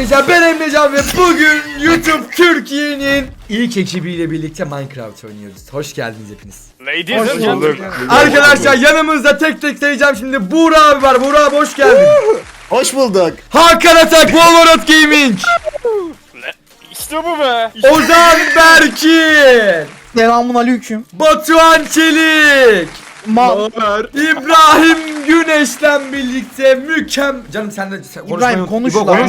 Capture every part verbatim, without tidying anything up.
arkadaşlar, ben Emrecan ve bugün YouTube Türkiye'nin ilk ekibiyle birlikte Minecraft oynuyoruz. Hoş geldiniz hepiniz. Ladies and gentlemen. Arkadaşlar yanımızda tek tek sayacağım şimdi. Buğra abi var. Buğra abi hoş geldin. Hoş bulduk. Hakan Atak, Wolverot Gaming. İşte bu be. Ozan Berkin. Selamun aleyküm. Batuhan Çelik. Ma İbrahim Güneş'le birlikte mükemmel... Canım sen de sen İbrahim konuş İbo, lan. konuş.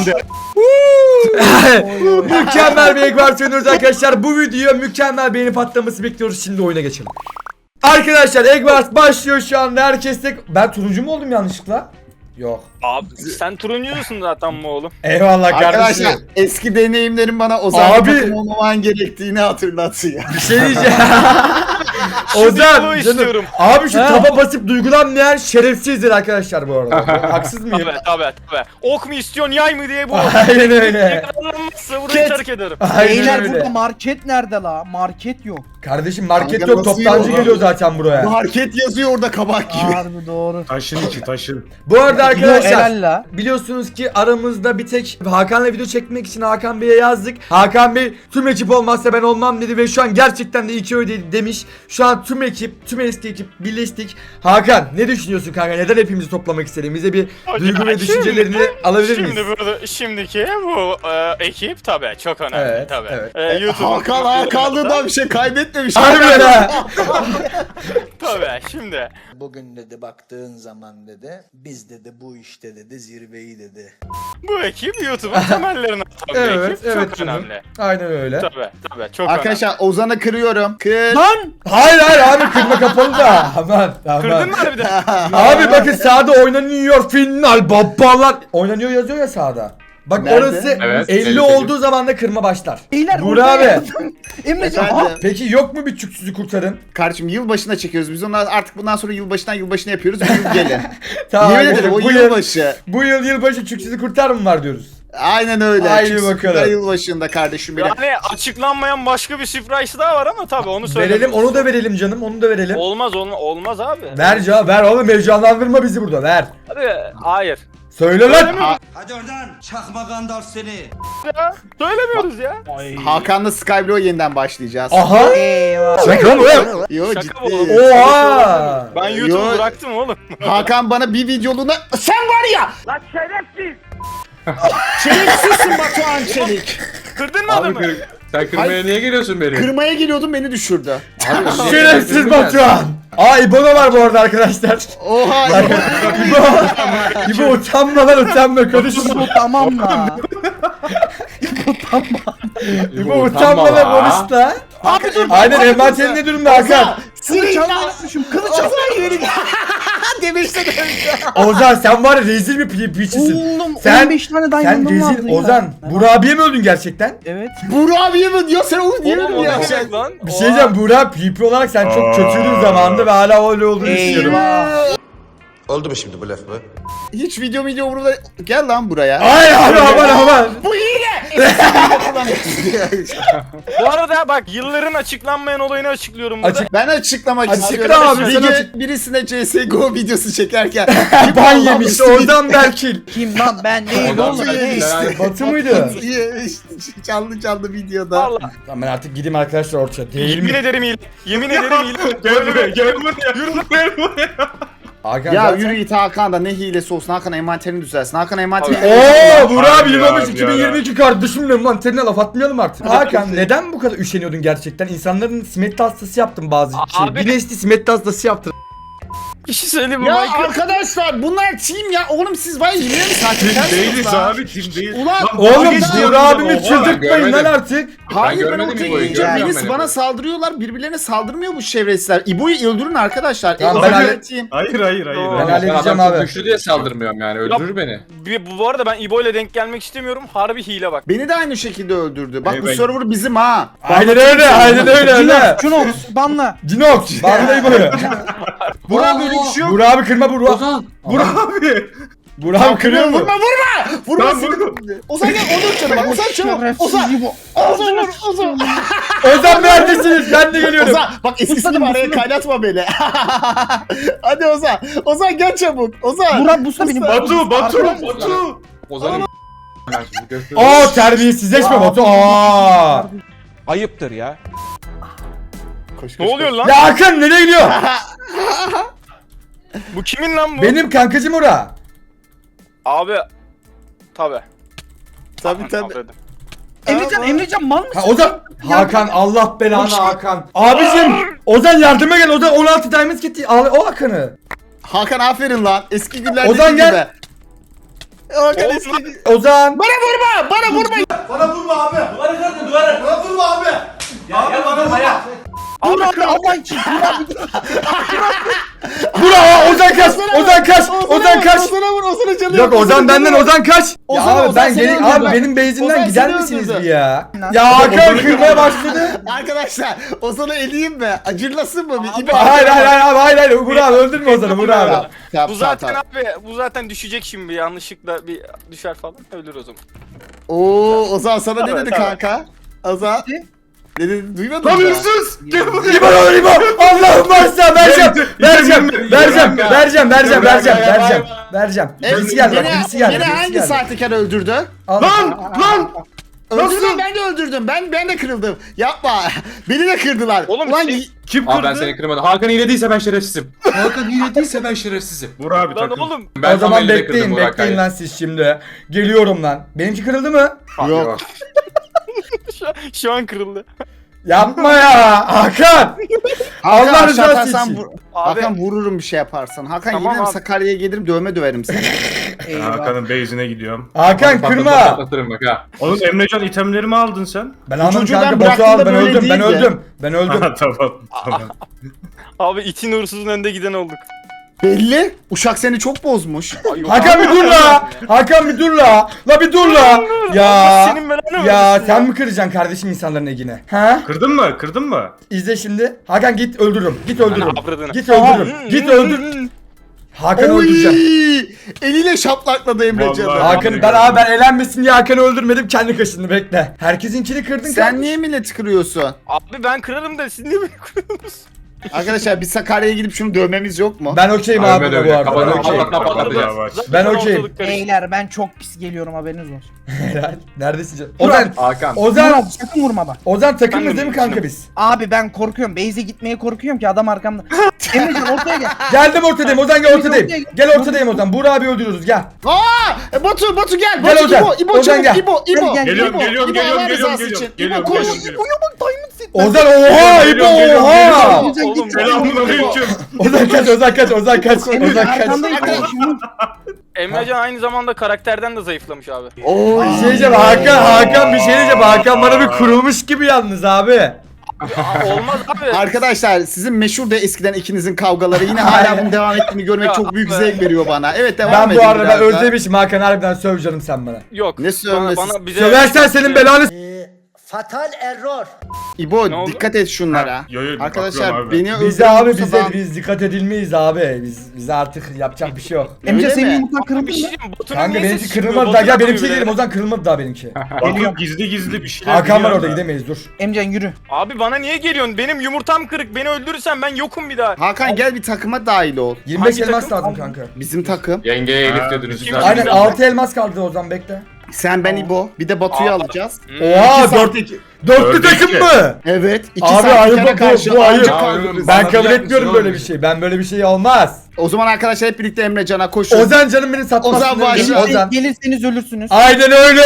Mükemmel bir ekvar oynuyoruz arkadaşlar. Bu videoya mükemmel beğeni patlaması bekliyoruz. Şimdi oyuna geçelim. Arkadaşlar Eggwars başlıyor şu anda. Herkes tek... Ben turuncu mu oldum yanlışlıkla? Yok. Abi sen turuncusun zaten bu oğlum. Eyvallah Arkadaşlar kardeşim. eski deneyimlerim bana Ozan Abi. takım olmaman gerektiğini hatırlatıyor. Bir şey diyeceğim. Şu Ozan diyaloğu canım. istiyorum. Abi şu He? taba basıp duygulanmayan şerefsizdir arkadaşlar bu arada. Haksız mıyım? Tabii tabii tabii. Ok mu istiyorsun yay mı diye bu. Aynen öyle. Yakalanmazsa burayı terk ederim. Aynen Beyler öyle. burada market nerede la? Market yok. Kardeşim market Kanka yok, nasıl toptancı yok? geliyor zaten buraya. Market yazıyor orada kabak gibi. Harbi doğru. Taşın içi taşın. Bu arada Yo, arkadaşlar helal la. biliyorsunuz ki aramızda bir tek Hakan'la video çekmek için Hakan Bey'e yazdık. Hakan Bey tüm ekip olmazsa ben olmam dedi ve şu an gerçekten de iki öyle demiş. Şu an tüm ekip, tüm eski ekip birleştik. Hakan ne düşünüyorsun kanka? Neden hepimizi toplamak istedim? Bize bir duygu ve Şimdi- düşüncelerini alabilir miyiz? Şimdi burada şimdiki bu e, ekip tabii çok önemli Evet, tabii. evet. E, YouTube'un Hakan Hakanlığından bir şey kaybetmemiş. Harbiden ha. tabii şimdi. Bugün dedi baktığın zaman dedi biz dedi bu işte dedi zirveyi dedi. Bu ekip YouTube'un temellerini atan bir Evet, ekip. evet çok canım. önemli. Aynen öyle. Tabii tabii çok Arkadaşlar Ozan'ı kırıyorum. Kır. Lan! Hayır hayır abi kırma kapalı da. Aman önemli. Kırdın aman. mı harbiden? Abi bakın sağda oynanıyor final babalar. Oynanıyor yazıyor ya sağda. Bak Nerede? orası Evet, elli elli olduğu zaman da kırma başlar. Beyler Buğra orada abi. yaptım. Emrecan ha? Efendim? Peki yok mu bir çüksüzü kurtarın? Kardeşim yılbaşına çekiyoruz. Biz onlar artık bundan sonra yılbaşından yılbaşına yapıyoruz. Bir yıl gelin. Tamam. Yemin ederim o bu yıl, yılbaşı. bu yıl yılbaşı çüksüzü kurtar mı var diyoruz? Aynen öyle. Haydi Çünkü bakalım. sizler Yılbaşında kardeşim benim. Yani açıklanmayan başka bir surprise daha var ama tabii onu söyleyeyim. Verelim onu da verelim canım onu da verelim. Olmaz olmaz, olmaz abi. Ver cevap ver oğlum heyecanlandırma bizi burada ver. Abi hayır. Söyle lan. Hadi oradan çakma gandalf seni. Ya, söylemiyoruz ya. Hakan'la Skyblock'a yeniden başlayacağız. Aha. Eyvah. Şaka mı? Yo Şaka ciddi. bu oğlum. Oha. Ben Yo. YouTube'u bıraktım oğlum. Hakan bana bir videoluğuna sen var ya Lan şerefsiz. şerefsizsin Batuhan Çelik. Kırdın mı Abi adamı? kır, sen kırmaya Hayır. niye geliyorsun beni? Kırmaya geliyordum beni düşürdü. Abi, Şerefsiz Batuhan. Aa İbo'da var bu arada arkadaşlar. Oha. İbo. İbo utanma lan utanma konuşma. Bu tamam la. İbo utanma lan konuş la. Abi dur. Aynen envanterin ne durumda Hakan? Kılıç almışım. Kılıç almışım. Demiştin önce. Ozan sen var ya rezil bir pi piçisin. Oğlum Sen- on beş tane Sen diamond'ım vardı rezil ya. Ozan. Burak abiye mi öldün gerçekten? Evet. Burak abiye mi diyor sen onu niye Oğlum o mi ne ya? demek lan? Bir şey diyeceğim Burak P P olarak sen çok kötüydün zamanında ve hala öyle olduğunu düşünüyorum. Eyvah. Oldu mu şimdi bu laf mı? Hiç video video umurumda gel lan buraya. Ay abi aman aman. Bu hile. Bu arada bak yılların açıklanmayan olayını açıklıyorum burada. Açık. Ben açıklamak Açıkla istiyorum. abi, sen Bir açık- gün birisine C S G O videosu çekerken Ban yemiş Ozan Berkil. Kim lan ben değil Ondan oğlum. sonra değil. işte. Batı mıydı? canlı canlı videoda. Vallahi. Tamam ben artık gideyim arkadaşlar ortaya. Değil Yemin mi? ederim hile. Yemin ederim hile. Gel buraya gel buraya. Yürü gel buraya. Hakan Ya zaten- yürü git Hakan da ne hilesi olsun Hakan envanterini düzelsin. Hakan envanterini Ooo Burak abi Abi ya, yılamış abi iki bin yirmi iki kardeşimle manterine laf atmayalım artık. Hakan neden bu kadar üşeniyordun gerçekten? İnsanların simetri hastası yaptın bazı şey. Abi- Bir nesli simetri hastası yaptın. Bir şey söyleyeyim mi? Ya Michael? arkadaşlar bunlar team ya. Oğlum siz var ya yine mi Kim saçmalıyorsunuz değiliz lan? abi kim değil. Ulan Lan, Oğlum geçti Burak ya, abimi oha, çıldırtmayın lan görmedim. artık. Hayır ben, görmedim ortaya İbo'yu, gelince görmüyorum birisi ben bana İbo'yu. saldırıyorlar. Birbirlerine saldırmıyor bu şerefsizler. İbo'yu öldürün arkadaşlar. Tamam, İbo ben ben halle- Hayır hayır hayır. Doğru. Ben hayır. halledeceğim Adam çok abi. güçlü diye saldırmıyorum yani öldürür beni. Bir- Bu, bu arada ben İbo ile denk gelmek istemiyorum. Harbi hile bak. Beni de aynı şekilde öldürdü. Bak Hey, bu ben- server bizim ha. Aynen öyle aynen öyle öyle. Cunox, Cunox, banla. Cinox. Vallahi böyle. Burak böyle bir şey yok. Burak abi kırma Burak. Ozan. Burak. Abi. Burak abi kırıyor mu? Vurma vurma. Vurma Tamam, seni. vurdum. Ozan gel onu çabuk. Bak Ozan çabuk. Ozan. Şerefsiz bu. Ozan vur. Ozan. Ozan neredesiniz? Ben de geliyorum. Ozan bak eskisi gibi araya kaynatma beni. Hadi Ozan. Ozan gel çabuk. Ozan. Murat Busta benim. Batu Batu Arkadaşlar. Batu. Ozan'ın Ben şimdi göstereyim. Oo terbiyesizleşme Batu. Aa. Ayıptır ya. Koş, koş, Ne oluyor koş. lan? Ya Hakan nereye gidiyor? Bu kimin lan bu? Benim kankacım ora. Abi. Tabi. Tabii tabii. Emrecan Emrecan mal mısın? Ha Ozan. Hakan Allah belanı Hakan. Abicim Ozan yardıma gel. Ozan on altı diamond gitti. Al o Hakan'ı. Hakan aferin lan. Eski günlerdeki Ozan gel. gibi. Hakan eski Ozan. Bana vurma! Bana vurma! Dur abi Allah için. Dur abi dur. Bravo Ozan kaç. Ozan kaç. Ozan kaç. Ozan'a vur, Ozan'a canı Yok yok, Ozan Ozan'a benden canı yok. Ozan kaç. Ya Ozan, abi Ozan ben seni geri öldürdü. abi benim base'imden Ozan gider seni misiniz öldürdü. bir ya? Lan. Ya Hakan kırmaya başladı. Arkadaşlar Ozan'ı eleyeyim mi? Acırlasın mı? Bir İbo- Hayır hayır hayır abi hayır hayır. Vur abi öldürme Ozan'ı vur abi. Tamam, tamam, Bu zaten tamam. abi bu zaten düşecek şimdi yanlışlıkla bir düşer falan ölür o zaman. Oo Ozan sana ne Tabii, dedi tabii. kanka? Ozan. Ne dedi? Duymadın Lan mı? hırsız! Gel buraya. İbo lan İbo. Allah'ım varsa vereceğim. Vereceğim. Vereceğim. Vereceğim. Vereceğim. Vereceğim. Vereceğim. Vereceğim. Evet, Birisi geldi bak. beni- Birisi geldi. beni Birisi hangi geldi. sahtekar öldürdü? Al. Lan! Lan! Öldürdüm, ben de öldürdüm. Ben ben de kırıldım. Yapma. Beni de kırdılar. Oğlum, Ulan şey- Kim Abi kırdı? ben seni kırmadım. Hakan hile değilse ben şerefsizim. Hakan hile değilse ben şerefsizim. Vur abi Lan takım. oğlum. Ben O zaman tam elde kırdım bekleyin. bu Bekleyin vakayı. lan siz şimdi. Geliyorum lan. Benimki kırıldı mı? yok. Şu, şu an kırıldı. Yapma ya. Hakan. Hakan Allah aşağı rızası atarsan için. vur- Abi. Hakan vururum bir şey yaparsan. Hakan Tamam gelirim abi. Sakarya'ya gelirim dövme döverim seni. Eyvah. Hakan'ın base'ine gidiyorum. Hakan Patlatırım, kırma. Patlatırım bak ha. Oğlum Emrecan itemlerimi aldın sen. Ben almadım çocuğu ben kanka. Batu bıraktığımda al. Ben böyle öldüm. Ben değildi. öldüm. Ben öldüm. Ha, tamam tamam. Abi için uğursuzun önde giden olduk. Belli. Uşak seni çok bozmuş. Ay, yok Hakan abi. bir dur la. Hakan bir dur la. La bir dur la. Ya. Senin belanı Ya versin sen mi kıracaksın kardeşim insanların egine? Ha? Kırdın mı? Kırdın mı? İzle şimdi. Hakan git öldürürüm. Git öldürürüm. Ana avradını. Git öldürürüm. Git öldür. Hakan'ı Oy! öldüreceğim. Eliyle şaplakladı Emrecan'ı. Vallahi. Hakan ben abi ben elenmesin diye Hakan'ı öldürmedim. Kendi kaşındı bekle. Herkesinkini kırdın Sen kardeşim. niye milleti kırıyorsun? Abi ben kırarım da siz niye beni kırıyorsunuz? Arkadaşlar biz Sakarya'ya gidip şunu dövmemiz yok mu? Ben okeyim Abi abi ben bu öyle. arada. Ben Kafanı okeyim. patlatma patlatacağız. Yavaş. Ben okeyim. ortalık karıştı. Beyler ben çok pis geliyorum haberiniz olsun. Helal. Neredesin canım? Ozan. Hakan. Vurma, Ozan. sakın vurma bak. Ozan takımız Ben de değil mi düşündüm. kanka biz? Abi ben korkuyorum. Base'e gitmeye korkuyorum ki adam arkamda. Emrecan ortaya gel. Geldim ortadayım. Ozan gel ortadayım. Gel ortadayım Ozan. Buğra abi öldürüyoruz gel. Aa! E, Batu, Batu gel. Gel Batu, Ozan. İbo, İbo Ozan çabuk. gel. İbo, İbo. Gel, gel. Geliyorum İbo, geliyorum İbo, geliyorum Allah geliyorum rızası geliyorum. için. Geliyorum İbo koş. geliyorum geliyorum. Uyu bak diamond set. Ozan oha İbo Geliyorum, geliyorum, oha. geliyorum. Emrecan Oğlum, git. Selamünaleyküm. Ozan kaç Ozan kaç Ozan kaç Ozan Emrecan kaç. arkandayım kardeşim. Emrecan aynı zamanda karakterden de zayıflamış abi. Oo. Bir şey diyeceğim Hakan Hakan bir şey diyeceğim Hakan bana bir kurulmuş gibi yalnız abi. Aa, olmaz abi. Arkadaşlar sizin meşhur da eskiden ikinizin kavgaları yine hala bunun devam ettiğini görmek Ya, çok büyük be. zevk veriyor bana. Evet devam Ben edin bu arada ben biraz daha. özlemişim Hakan harbiden söv canım sen bana. Yok. Ne bana, sövmesi? bana bize Söversen senin belanı s- Ee, fatal error. İbo Ne oldu? dikkat et şunlara. Yo, yo, Arkadaşlar bakıyorum abi. beni Bize abi öldürürse bize ben- biz dikkat edilmeyiz abi. Biz bize artık yapacak bir şey yok. Emrecan Öyle senin mi? yumurtan kırıldı Bir şey mı? diyeyim. Batu'nun Kanka niye benimki sesi çıkmıyor? kırılmadı daha gel Batu'nun benimki bile. gidelim Ozan kırılmadı daha benimki. Batu gizli gizli bir şeyler Hakan var biliyor orada da. gidemeyiz dur. Emrecan yürü. Abi bana niye geliyorsun? Benim yumurtam kırık. Beni öldürürsen ben yokum bir daha. Hakan gel bir takıma dahil ol. yirmi beş Hangi elmas takım? lazım kanka. Bizim takım. Yengeye Elif Ha, diyordunuz. kim- Güzel. Aynen güzel. altı elmas kaldı Ozan bekle. Sen ben İbo. Bir de Batu'yu Aa. alacağız. Oha İki dört, saat- dörtlü Dörde takım iki. mı? Evet. iki Abi saat ayıp kere bu, karşı bu ayıp. anca Ya, kaldırırız. Ben Bana kabul bir etmiyorum yapmışsın böyle bir oğlum. şey. Ben böyle bir şey olmaz. O zaman arkadaşlar hep birlikte Emrecan'a koşun. Ozan canım beni satmasın. Ozan demiş. başla. Ozan. Gelirseniz ölürsünüz. Aynen öyle.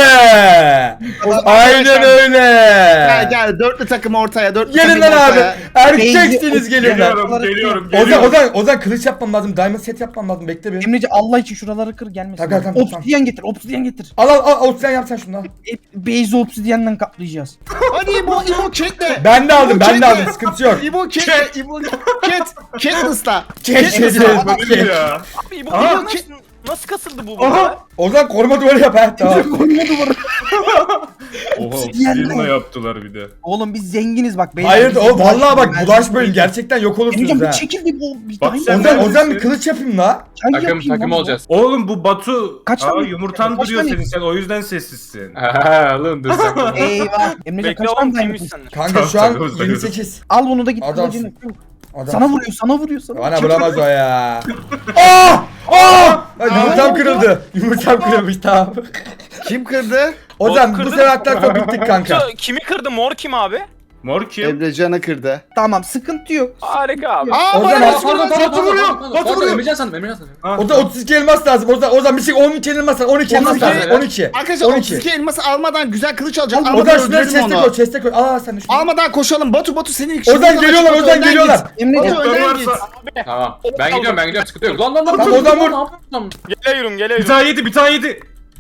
Aynen öyle. Gel gel dörtlü takım ortaya. Dörtlü Gelin takım lan abi. ortaya. Erkeksiniz gelin lan. Geliyorum geliyorum Ozan geliyorum. Ozan Ozan kılıç yapmam lazım. Diamond set yapmam lazım. Bekle bir. Emrecan Allah için şuraları kır gelmesin. Tamam, tamam, tamam. Obsidiyen getir, obsidiyen getir. Al al al Ozan yap sen şunu al. E, Base'i obsidiyenden kaplayacağız. Hadi İbo İbo ketle. Ben de aldım İbo, ben de ketle. aldım sıkıntı yok. İbo ketle. İbo ket. Ket ısla. Ket, ket, ısla. ket. Bu ne ya? Abi bu Aha. nasıl, nasıl kasıldı bu bu? Aha. Ozan koruma duvarı yap ha tamam. Koyma duvarı. Oha Obsidiyenle. obsidiyenle yaptılar bir de. Oğlum biz zenginiz bak. beyler, Hayır biz o vallahi bak bulaşmayın, bulaşmayın ben- gerçekten yok Emrecan olursunuz bir ha. çekil bir bu bir Bak diamond sen Ozan neredesin? Ozan bir kılıç yapayım la. çay Takım yapayım takım lan. olacağız. Oğlum bu Batu Kaç Aa, tane- yumurtan kaç duruyor tane- senin sen o yüzden sessizsin. Ha oğlum dur sen. Eyvah. Emrecan Bekle kaç oğlum tane kimmiş diamond? senden? Kanka Tamam, şu an takımız, yirmi takımız. sekiz. Al bunu da git Adamsın. kılıcını. Adam. Sana vuruyor, sana vuruyor, sana. Bana vuramaz o ya. Aa! Aa! Ay, yumurtam kırıldı. Yumurtam kırılmış tamam. Kim kırdı? Ozan bu kırdın sefer mı? hatta sonra bittik kanka. Şu- Kimi kırdı? Mor kim abi? Mor kim? Emrecan'ı kırdı. Tamam sıkıntı yok. Harika abi. Aa Ozan, bana Aa, Batu vuruyor. Batu vuruyor. Batu vuruyor. Emrecan sandım Emrecan sandım. Ha, Ozan otuz iki elmas lazım. Ozan Ozan bir şey on iki elmas lazım. on iki elmas on iki. lazım. on iki. Arkadaşlar on otuz iki iki. elması almadan güzel kılıç alacağım. Ozan Almadan şunları öldürelim chest'e onu. koy, chest'e koy. Aa sen de şunu. Almadan koşalım. Batu Batu senin ilk Ozan geliyorlar, Ozan geliyorlar. Emrecan Batu önden git. varsa- Tamam. Ben gidiyorum ben gidiyorum sıkıntı yok. Lan lan lan. Tamam, dur, Ozan dur, vur. ne yapıyorsun lan? Geliyorum Bir geliyorum. tane yedi bir tane yedi.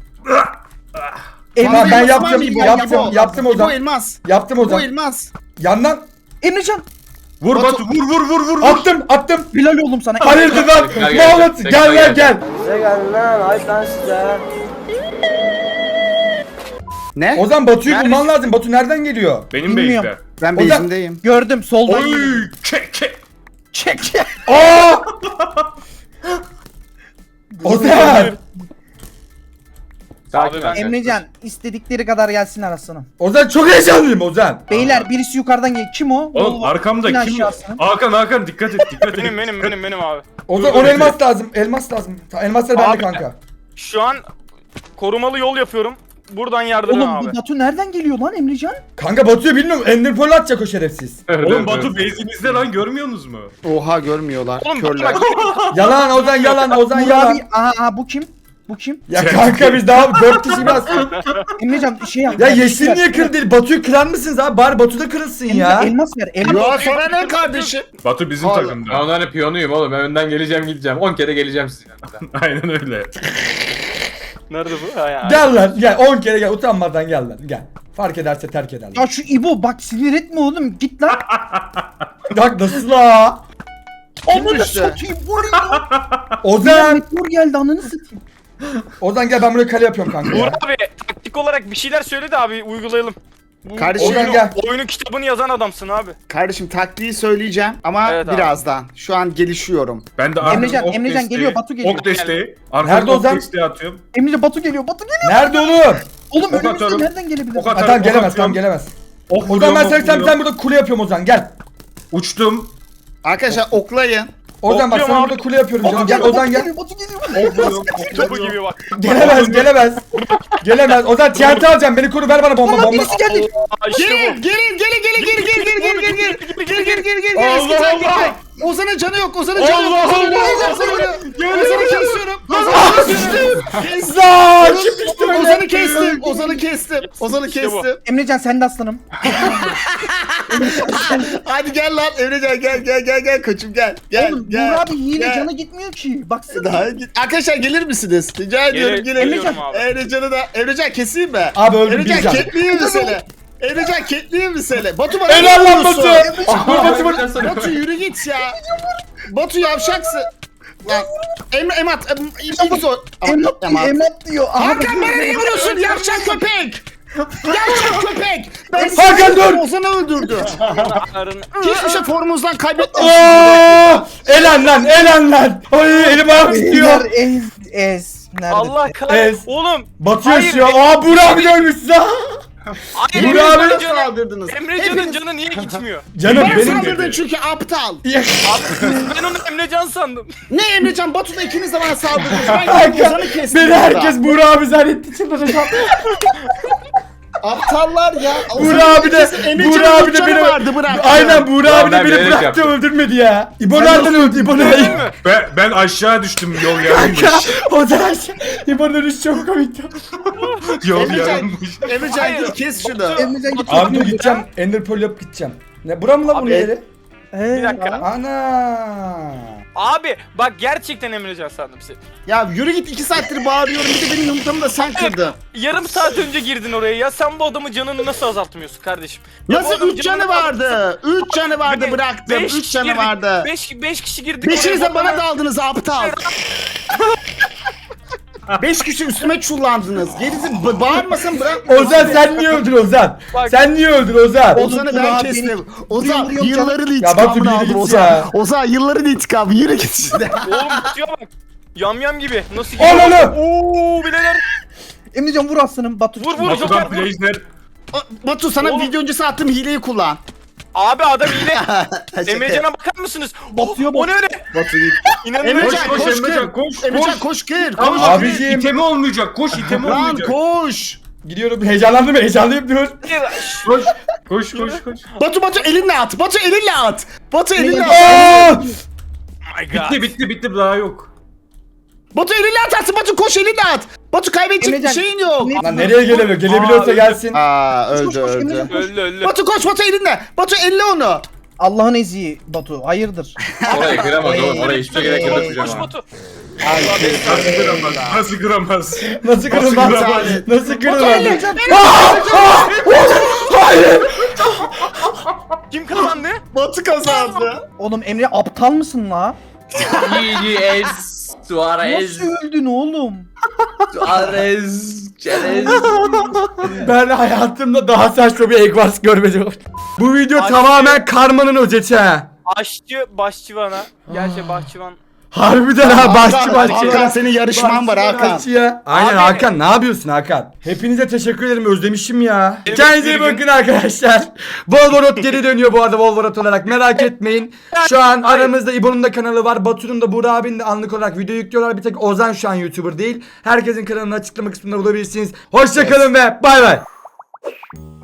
Tamam, ben yaptım, İbo, yaptım, İbo. yaptım İbo Ozan. elmas. Yaptım İbo Ozan. elmas. Yandan Emrecan. Vur Batu- Batu vur vur vur vur. vur. attım, attım. Helal oğlum sana. Hayırdır lan? Tekrar gel, Mahmut tekrar gel lan gel. gel. Ne? Ozan Batu'yu Neredesin? bulman lazım. Batu nereden geliyor? Benim Bilmiyorum. beyimde. Ben Ozan- base'indeyim. Gördüm soldan. Oy geliyor. çek çek. Çek çek. Aa! Ozan! Sakin Abi ben- ol. Emrecan istedikleri kadar gelsin arasına. Ozan çok heyecanlıyım Ozan. Beyler birisi yukarıdan gel. Kim o? Oğlum O- arkamda in kim? aşağısına. Hakan Hakan dikkat et dikkat et. Benim benim benim benim abi. Ozan on elmas lazım. Elmas lazım. Ta- Elmaslar bende Abi. kanka. Şu an korumalı yol yapıyorum. Buradan yardım Oğlum abi. bu Batu nereden geliyor lan Emrecan? Kanka Batu'yu bilmiyorum. Ender Pearl atacak o şerefsiz. Evet, Oğlum evet, Batu evet. base'imizde lan görmüyorsunuz mu? Oha görmüyorlar. Oğlum Körler. bak Yalan Ozan yalan Ozan Uğur yalan. abi. Aha, aha bu kim? Bu kim? Ya kanka biz daha dört kişi biraz. Emrecan şey yap. Ya ver, Yeşil ver, niye ver. kırdı değil? Batu'yu kırar mısınız abi? Bari Batu da kırılsın Emrecan, ya. elmas ver. Elmas. Ya sana ne kardeşim? Batu bizim Vallahi- Ben takımda. onların piyonuyum oğlum. Ben önden geleceğim gideceğim. on kere geleceğim sizin yanınıza. Aynen öyle. nerede bu? Ha, ya. Gel lan gel on kere gel utanmadan gel lan gel. Fark ederse terk eder. Ya şu İbo bak sinir etme oğlum. Git lan. Bak nasıl la? Ananı düştü? satayım. Bu ne lan? Ozan. Meteor geldi ananı satayım. Ozan gel ben buraya kale yapıyorum kanka Uğur ya. abi taktik olarak bir şeyler söyle de abi uygulayalım. Bu Kardeşim, oyunu, gel. oyunu kitabını yazan adamsın abi. Kardeşim taktiği söyleyeceğim ama Evet abi. birazdan. Şu an gelişiyorum. Ben de Emrecan, arkadan ok Emrecan desteği- geliyor, Batu geliyor. Ok desteği. Nerede Arkadan ok Ozan? desteği atıyorum. Emrecan Batu geliyor. Batu geliyor. Nerede oğlum? Oğlum Ok önümüzde atıyorum. nereden gelebilir? Ok Ha, atarım, tamam ok gelemez atıyorum. tamam gelemez. Ok Ozan vuruyorum, ben ok sen sen vuruyorum. sen burada kule yapıyorum Ozan gel. Uçtum. Arkadaşlar oklayın. Ozan bak Okluyorum sana abi. burada kule yapıyorum canım. Batu Gel geliyor, Ozan Batu gel. geliyor, Batu geliyor. Ok vuruyorum. ok Topu vuruyorum. gibi bak. Gelemez gelemez. Gelemez. Ozan T N T alacağım beni koru ver bana bomba Lan bomba. birisi geldi. Aa, işte Gelin, bu. gelin, gelin, gelin, gelin, gelin, gelin, gelin, gelin, gelin, gelin, gelin, gelin, gelin, Allah eski taktik. Allah! Ozan'ın canı yok, Ozan'ın canı yok. Allah Ozan'ın Allah! ölüyor, Ozan'ı ölüyor. Ozan'ı kesiyorum. Ah, Ozan'ı kesiyorum. Lan kim düştü öyle? Ozan'ı kestim, Ozan'ı kestim, Ozan'ı İşte bu. kestim. Emrecan sen de aslanım. Hadi gel lan Emrecan gel gel gel gel koçum gel. Gel Oğlum gel. Uğur abi hile gel. canı gitmiyor ki. Baksana. Daha git. Arkadaşlar gelir misiniz? Rica ediyorum Gel- gelin. geliyorum abi. Emrecan'ı da Emrecan keseyim mi? Abi öldüm Emrecan bir can. ketleyeyim mi seni? Emrecan ketleyeyim mi seni? Batu bana Helal ne lan Batu. vuruyorsun? Dur Batu vur. Batu yürü git ya. Batu yavşaksın. Lan Emre Emat em, ilk zor. Emlat diyor, emlat diyor. Aha, Hakan bana ne vuruyorsun yavşak köpek? Yavşak köpek. Ben Hakan dur. Ozan'ı öldürdü. Arın- Hiçbir şey formumuzdan kaybetmedik. Aa! Elen lan elen lan. Ay elim ayağım titriyor. Ez ez. Nerede? Allah kahretsin. Ez. Oğlum. Batı Hayır, yaşıyor. Aa Burak abi de ölmüş lan. Hayır, Burak abi- Emrecan'ın canı, saldırdınız. Emrecan'ın canı niye gitmiyor? Canım Ben benim. saldırdın çünkü aptal. Ya, Ben onu Emrecan sandım. Ne Emrecan Batu'da ikiniz de bana saldırdınız. Ben Kanka, gidip Ozan'ı kestim. beni burada. herkes Burak abi zannetti çıldıracağım. Aptallar ya. Burak abi de Emrecan'ın Burak abi de canı beni vardı bırak. Aynen Burak abi de ben beni bilerek bıraktı yaptım. öldürmedi ya. İbo Sen nereden öldü? İbo Değil nereden? mi? Ben, ben aşağı düştüm yol yarılmış. O da aşağı. İbo'nun ölüşü çok komikti. Yol Emrecan, yarılmış. Emrecan Hayır. git kes şunu. Emrecan git. Abi dur gideceğim. Ender Pearl yapıp gideceğim. Ne bura mı lan bunun Abi, yeri? Bir dakika. Ana. Abi bak gerçekten Emrecan sandım seni. Ya yürü git iki saattir bağırıyorum. Bir de benim yumurtamı da sen kırdın. Yarım saat önce girdin oraya ya. Sen bu adamın canını nasıl azaltmıyorsun kardeşim? Ya bu Nasıl adamın üç canı canını vardı? Üç canı vardı Be- bıraktım. beş Üç kişi canı girdik. vardı. Beş, beş kişi girdik. Beşiniz oraya, de bana bana- daldınız aptal. Beş kişi üstüme çullandınız. Gerisi b- bağırmasın bırak. Ozan sen niye öldün Ozan? Bak- Sen niye öldün Ozan? Ozan'ı Oğlum, ben Burak kestim. beni- Ozan vuruyor, vuruyor yılların Ya Batu, intikamını bir aldım git Ozan. ya. Ozan yılların intikamı yürü git işte. Oğlum tutuyor bak. Yam yam gibi. Nasıl Ananı! Ooo bileler. Emrecan vur aslanım. Batu. Vur vur Batu'dan Joker vur. Blazer. Batu sana Oğlum. video öncesi attığım hileyi kullan. Abi adam yine. Şaka. Emrecan'a bakar mısınız? Batıyor, O ne öyle? Batu git. İnanılmaz. Emrecan koş, koş Emrecan, kır. koş, Emrecan koş. koş kır. Tamam Koş. abi. Abiciğim. İtemi olmayacak. Koş itemi Lan olmayacak. koş. Gidiyorum. Heyecanlandım heyecanlıyım dur. Koş. Koş koş koş. Batu Batu elinle at. Batu elinle at. Batu elinle at. Aa! Oh my god. Bitti bitti bitti daha yok. Batu elinle atarsın. Batu koş elinle at. Batu kaybedecek bir Emrecan, şeyin yok. ne- Lan nereye gelemiyor? Gelebiliyorsa Aa, gelsin. Aa Koş, öldü koş, öldü. Emrecan, koş. Öldü öldü. Batu koş Batu elinle. Batu elle onu. Allah'ın eziği Batu. Hayırdır? Oraya kıramaz oğlum. Oraya hiçbir şey gerek yok Koş yapacağım koş ha. Batu. Nasıl kıramaz? Nasıl kıramaz? Nasıl kırılmaz? kırılmaz? Nasıl kırılmaz? Kim kazandı? Batu kazandı. Oğlum Emre aptal mısın la? Yiyeceğiz. Suarez. Nasıl öldün oğlum? Suarez. Çerez. Ben hayatımda daha saçma bir Eggwars görmedim. Bu video Aşkı- tamamen karmanın özeti ha. Aşçı Başçıvan'a. Gerçi Bahçıvan. Harbiden ha başçı Hakan, başçı. Hakan senin yarışman var Hakan. Başçı ya. Aynen Abi- Hakan ne yapıyorsun Hakan? Hepinize teşekkür ederim özlemişim ya. Evet, Kendinize iyi bir gün- bakın arkadaşlar. Volvorot geri dönüyor bu arada Volvorot olarak merak etmeyin. Şu an aramızda İbo'nun da kanalı var. Batu'nun da Buğra abinin de anlık olarak video yüklüyorlar. Bir tek Ozan şu an YouTuber değil. Herkesin kanalını açıklama kısmında bulabilirsiniz. Hoşçakalın ve bay bay.